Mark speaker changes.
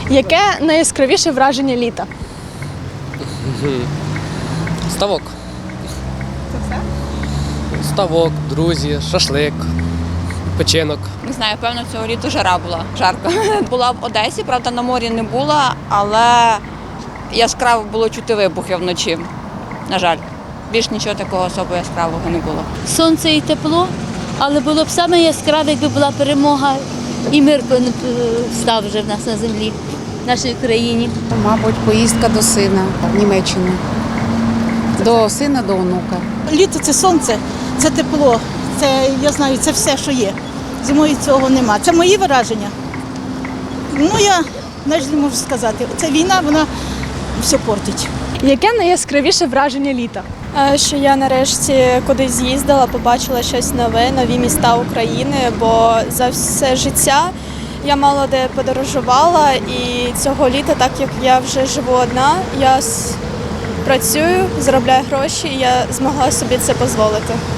Speaker 1: Яке найяскравіше враження літа?
Speaker 2: Ставок.
Speaker 1: Це все?
Speaker 2: Ставок, друзі, шашлик, печінок.
Speaker 3: Не знаю, певно, цього літа жара була, жарко. Була в Одесі, правда, на морі не була, але яскраво було чути вибухи вночі, на жаль. Більш нічого такого особо яскравого не було.
Speaker 4: Сонце і тепло, але було б саме яскраве, якби була перемога і мир став вже в нас на землі, в нашій країні.
Speaker 5: Мабуть, поїздка до сина в Німеччину. До сина, до онука.
Speaker 6: Літо – це сонце, це тепло, це, я знаю, це все, що є. Зимою цього нема. Це мої враження. Ну, я навіть не можу сказати. Ця війна, вона все портить.
Speaker 1: Яке найяскравіше враження літа?
Speaker 7: Що я нарешті кудись з'їздила, побачила щось нове, нові міста України, бо за все життя я мало де подорожувала, і цього літа, так як я вже живу одна, я працюю, заробляю гроші, і я змогла собі це дозволити.